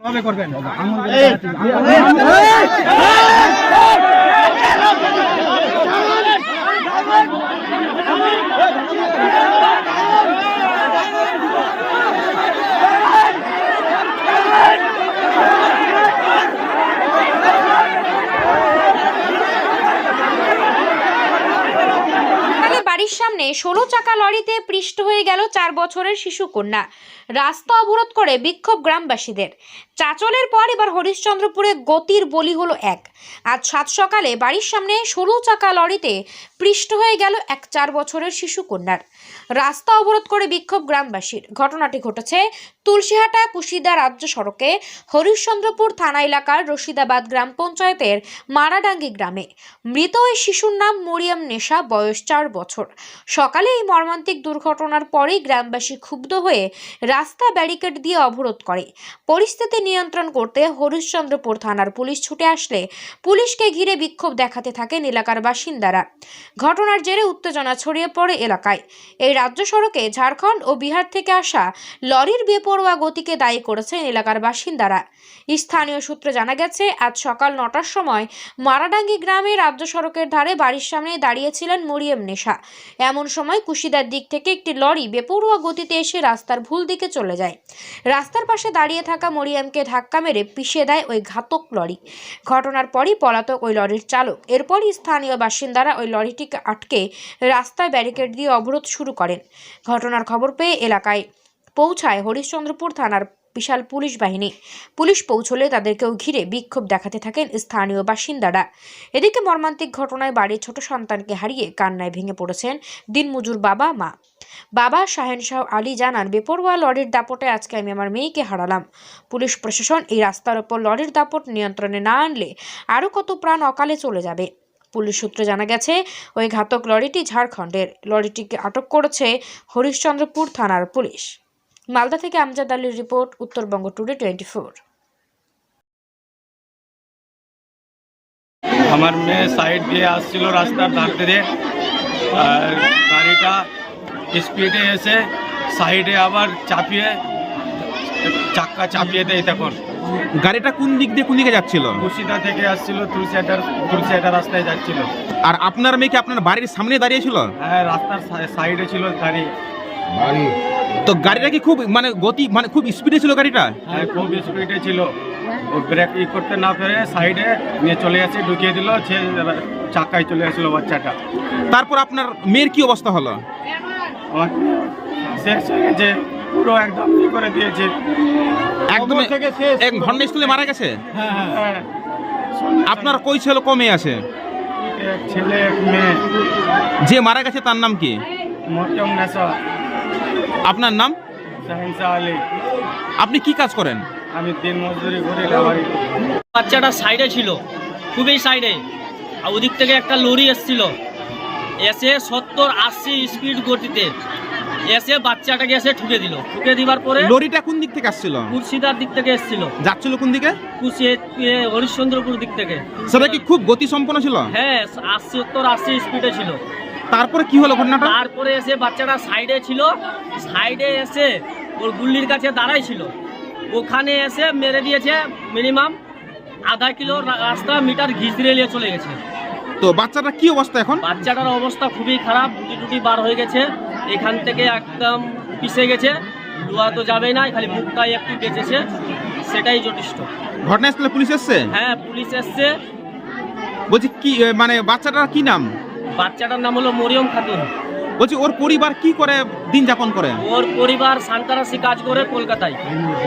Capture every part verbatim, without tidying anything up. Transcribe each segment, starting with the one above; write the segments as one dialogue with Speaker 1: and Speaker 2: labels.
Speaker 1: বাড়ির সামনে ষোলো চাকা লরিতে পৃষ্ঠ হয়ে গেল চার বছরের শিশু কন্যা। রাস্তা অবরোধ করে বিক্ষোভ গ্রামবাসীদের। চাঁচলের পর এবার হরিশ্চন্দ্রপুরে গতির বলি হলো এক। আজ সাত সকালে বাড়ির সামনে ষোলো চাকা লরিতে পৃষ্ঠ হয়ে গেল এক চার বছরের শিশু কন্যার। রাস্তা অবরোধ করে বিক্ষোভ গ্রামবাসীর। ঘটনাটি ঘটেছে তুলসীহাটা কুশিদা রাজ্য সড়কে হরিশ্চন্দ্রপুর থানা এলাকার রশিদাবাদ গ্রাম পঞ্চায়েতের মারাডাঙ্গি গ্রামে। মৃত ওই শিশুর নাম মরিয়ম নেশা, বয়স চার বছর। সকালে এই মর্মান্তিক দুর্ঘটনার পরেই গ্রামবাসী ক্ষুব্ধ হয়ে রাস্তা ব্যারিকেড দিয়ে অবরোধ করে। পরিস্থিতি নিয়ন্ত্রণ করতে হরিশ্চন্দ্রপুর থানার পুলিশ ছুটে আসলে পুলিশকে ঘিরে বিক্ষোভ দেখাতে থাকেন এলাকার বাসিন্দারা। ঘটনার জেরে উত্তেজনা ছড়িয়ে পড়ে এলাকায়। এই রাজ্য সড়কে ঝাড়খণ্ড ও বিহার থেকে আসা লরির বেপরোয়া গতিকে দায়ী করেছেন এলাকার বাসিন্দারা। স্থানীয় সূত্রে জানা গেছে, আজ সকাল নটার সময় মারাডাঙ্গি গ্রামে রাজ্য সড়কের ধারে বাড়ির সামনে দাঁড়িয়েছিলেন মরিয়ম নেশা। এমন সময় কুশিদার দিক থেকে একটি লরি বেপরোয়া গতিতে এসে রাস্তার ভুল দিকে চলে যায়। রাস্তার পাশে দাঁড়িয়ে থাকা মরিয়মকে ধাক্কা মেরে পিষে দেয় ওই ঘাতক লরি। ঘটনার পরই পলাতক ওই লরির চালক। এরপরই স্থানীয় বাসিন্দারা ওই লরিটিকে আটকে রাস্তায় ব্যারিকেড দিয়ে অবরোধ শুরু করেন। ঘটনার খবর পেয়ে এলাকায় পৌঁছায় হরিশ্চন্দ্রপুর থানার বিশাল পুলিশ বাহিনী। পুলিশ পৌঁছলে তাদেরকেও ঘিরে বিক্ষোভ দেখাতে থাকেন স্থানীয় বাসিন্দারা। এদিকে মর্মান্তিক ঘটনায় বাড়ির ছোট সন্তানকে হারিয়ে কান্নায় ভেঙে পড়েছেন দিনমজুর বাবা মা। বাবা শাহেনশাহ আলী জানান, বেপরোয়া লরির দাপটে আজকে আমি আমার মেয়েকে হারালাম। পুলিশ প্রশাসন এই রাস্তার ওপর লরির দাপট নিয়ন্ত্রণে না আনলে আরও কত প্রাণ অকালে চলে যাবে। পুলিশ সূত্রে জানা গেছে, ওই ঘাতক লরিটি ঝাড়খণ্ডের। লরিটিকে আটক করেছে হরিশ্চন্দ্রপুর থানার পুলিশ। মালদা থেকে আমজাদ আলীর report, Uttarbanga today twenty four.
Speaker 2: আমার মেয়ে সাইড দিয়ে আসছিল রাস্তার ধার দিয়ে, আর গাড়িটা স্পিডে এসে সাইডে আবার চাপিয়ে চাক্কা চাপিয়ে দেয়। তখন
Speaker 3: গাড়িটা কোন দিক দিয়ে কোন দিকে যাচ্ছিল?
Speaker 2: কুশিদা থেকে আসছিল, তুলসিহাটার তুলসিহাটা রাস্তায় যাচ্ছিল।
Speaker 3: আর আপনার মেয়ে কি আপনার বাড়ির সামনে দাঁড়িয়েছিল?
Speaker 2: হ্যাঁ, রাস্তার সাইডে ছিল গাড়ি।
Speaker 3: তো গাড়িটা কি খুব মানে গতি মানে খুব স্পিডে ছিল গাড়িটা?
Speaker 2: হ্যাঁ, খুব স্পিডে ছিল। ও ব্রেক ই করতে না পেরে সাইডে নিয়ে চলে গেছে, ঢুকিয়ে দিল, সে চাকায় চলে গেছিল বাচ্চাটা।
Speaker 3: তারপর আপনার মেয়ের কি অবস্থা হলো?
Speaker 2: আমার শেষ হয়ে গেছে, পুরো একদম ই করে দিয়েছে,
Speaker 3: একদম এক ঘটনাস্থলে মারা গেছে।
Speaker 2: হ্যাঁ হ্যাঁ।
Speaker 3: আপনার কই ছেলে কো মেয়ে আছে?
Speaker 2: এক ছেলে এক মেয়ে।
Speaker 3: যে মারা গেছে তার নাম কি?
Speaker 2: মরিয়ম নেশা।
Speaker 3: আপনার নাম?
Speaker 2: শাহেনশাহ আলী।
Speaker 3: আপনি কি কাজ করেন?
Speaker 2: আমি দিন মজদুরি করি। লাভারি।
Speaker 4: বাচ্চাটা সাইডে ছিল, খুবই সাইডে। আর ওদিক থেকে একটা লরি এসছিল, এসে সত্তর আশি স্পিড গতিতে এসে বাচ্চাটাকে এসে ঠুকে দিল। ঠুকে দিবার পরে
Speaker 3: লরিটা কোন দিক থেকে আসছিল?
Speaker 4: কুশিদার দিক থেকে এসছিল।
Speaker 3: যাচ্ছিল কোন দিকে?
Speaker 4: কুশি হরিশ্চন্দ্রপুর দিক থেকে।
Speaker 3: সেটা কি খুব গতি সম্পন্ন ছিল?
Speaker 4: হ্যাঁ, আশি সত্তর আশি স্পিডে ছিল।
Speaker 3: তারপরে কি হলো ঘটনাটা?
Speaker 4: তারপরে এসে বাচ্চাটা সাইডে ছিল, সাইডে এসে ওর গুল্লির কাছে দাঁড়াই ছিল, ওখানে এসে মেরে দিয়েছে। মিনিমাম আধা কিলো রাস্তা মিটার ঘিচড়ে নিয়ে চলে গেছে।
Speaker 3: তো বাচ্চাটা কি অবস্থা এখন?
Speaker 4: বাচ্চাটার অবস্থা খুবই খারাপ, গুটি টুটি বার হয়ে গেছে, এখান থেকে একদম পিষে গেছে। লোয়া তো যাবেই না, খালি মুখটাই একটু বেঁচেছে, সেটাই যথেষ্ট।
Speaker 3: ঘটনাস্থলে পুলিশ এসছে?
Speaker 4: হ্যাঁ, পুলিশ এসছে।
Speaker 3: বলছি কি মানে বাচ্চাটার কি নাম?
Speaker 4: বাচ্চাটার নাম হলো মরিয়ম খাতুন।
Speaker 3: বলছি ওর পরিবার কি করে দিন যাপন করে?
Speaker 4: ওর পরিবার সান্তারাসি কাজ করে কলকাতায়।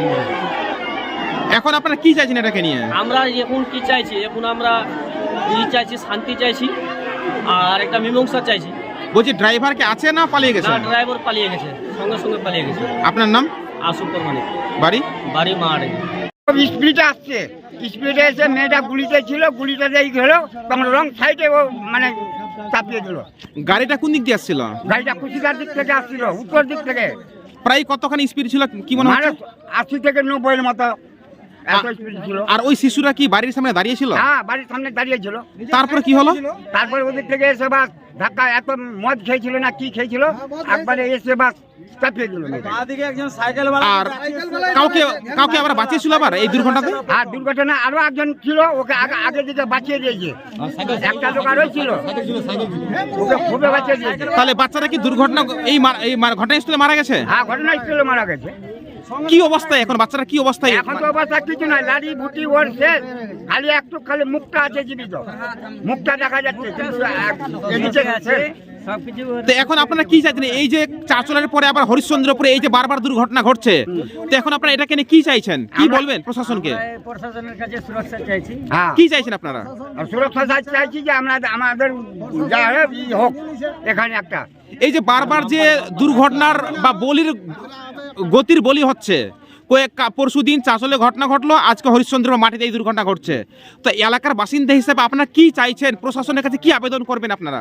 Speaker 3: এখন আপনারা কি চাইছেন এটাকে নিয়ে?
Speaker 4: আমরা এখন কি চাইছি, এখন আমরা ই চাইছি, শান্তি চাইছি, আর একটা মীমাংসা চাইছি।
Speaker 3: বলছি ড্রাইভার কি আছে না পালিয়ে গেছে?
Speaker 4: না, ড্রাইভার পালিয়ে গেছে, সঙ্গে সঙ্গে পালিয়ে গেছে।
Speaker 3: আপনার নাম?
Speaker 4: আসুক মানে
Speaker 3: বাড়ি?
Speaker 4: বাড়ি মারে।
Speaker 5: স্পিডে আসছে, স্পিডে এসে মেয়েটা গুলিতে ছিল, গুলিটা দিয়ে গেল, তখন রং সাইডে ও মানে চাপিয়ে দিল।
Speaker 3: গাড়িটা কোন দিক দিয়ে আসছিল?
Speaker 5: গাড়িটা কুশিদার দিক থেকে আসছিল, উত্তর দিক থেকে।
Speaker 3: প্রায় কতখানি স্পিড ছিল কি মনে
Speaker 5: মানে
Speaker 3: হচ্ছে?
Speaker 5: আশি থেকে নব্বইয়ের মতো এত স্পিড ছিল।
Speaker 3: আর ওই শিশুরা কি বাড়ির সামনে দাঁড়িয়ে ছিল?
Speaker 5: হ্যাঁ, বাড়ির সামনে দাঁড়িয়ে ছিল।
Speaker 3: তারপরে কি হলো?
Speaker 5: তারপরে ওদের থেকে এসে বাস ধাক্কা, এত মদ খেয়েছিল না কি খেয়েছিল, একবারে এসে বাস চাপিয়ে দিল মেয়েটা।
Speaker 3: আর কাউকে কাউকে আবার বাঁচিয়েছিল আবার এই দুর্ঘটনাতে?
Speaker 5: আর দুর্ঘটনা আরো একজন ছিল, ওকে আগে আগে দিকে বাঁচিয়ে দিয়েছে। একটা লোক আরো ছিল, ওকে খুবই বাঁচিয়ে দিয়েছে।
Speaker 3: তাহলে বাচ্চারা কি দুর্ঘটনা এই মার- এই মার- ঘটনাস্থলে মারা গেছে?
Speaker 5: হ্যাঁ, ঘটনাস্থলে মারা গেছে।
Speaker 3: কি অবস্থায় এখন বাচ্চারা, কি অবস্থায়?
Speaker 5: এখন তো অবস্থা কিছু নাই, লাড়ি বুটি ওর শেষ, খালি একটু খালি মুখটা আছে জীবিত, মুখটা দেখা যাচ্ছে কিন্তু এক- এদিকে শেষ।
Speaker 3: তো এখন আপনারা কি চাইছেন? এই যে চাঁচলের পরে আবার হরিশ্চন্দ্রপুরে এই যে বারবার দুর্ঘটনা ঘটছে, তো এখন আপনারা এটাকে নিয়ে কি চাইছেন? কি বলবেন প্রশাসনকে?
Speaker 4: প্রশাসনের কাছে সুরক্ষা চাইছি।
Speaker 5: হ্যাঁ,
Speaker 3: কি চাইছেন আপনারা?
Speaker 5: আর সুরক্ষা চাই- চাইছি যে আমরা আমাদের যা হোক ই হোক এখানে একটা।
Speaker 3: এই যে বারবার যে দুর্ঘটনার বা বলির গতির বলি হচ্ছে, কয়েক পরশু দিন চাঁচলে ঘটনা ঘটলো, আজকে হরিশ্চন্দ্র মাটিতে এই দুর্ঘটনা ঘটছে, তো এলাকার বাসিন্দা হিসেবে আপনারা কি চাইছেন? প্রশাসনের কাছে কি আবেদন করবেন আপনারা?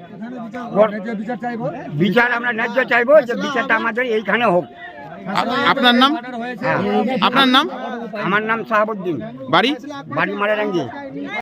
Speaker 5: বিচার আমরা ন্যায্য চাইবো, যে বিচারটা আমাদের এইখানে হোক।
Speaker 3: আ- আপনার নাম?
Speaker 5: হ্যাঁ,
Speaker 3: আপনার নাম?
Speaker 5: আমার নাম শাহাবুদ্দিন,
Speaker 3: বাড়ি?
Speaker 5: বাড়ি মারারাঙ্গি।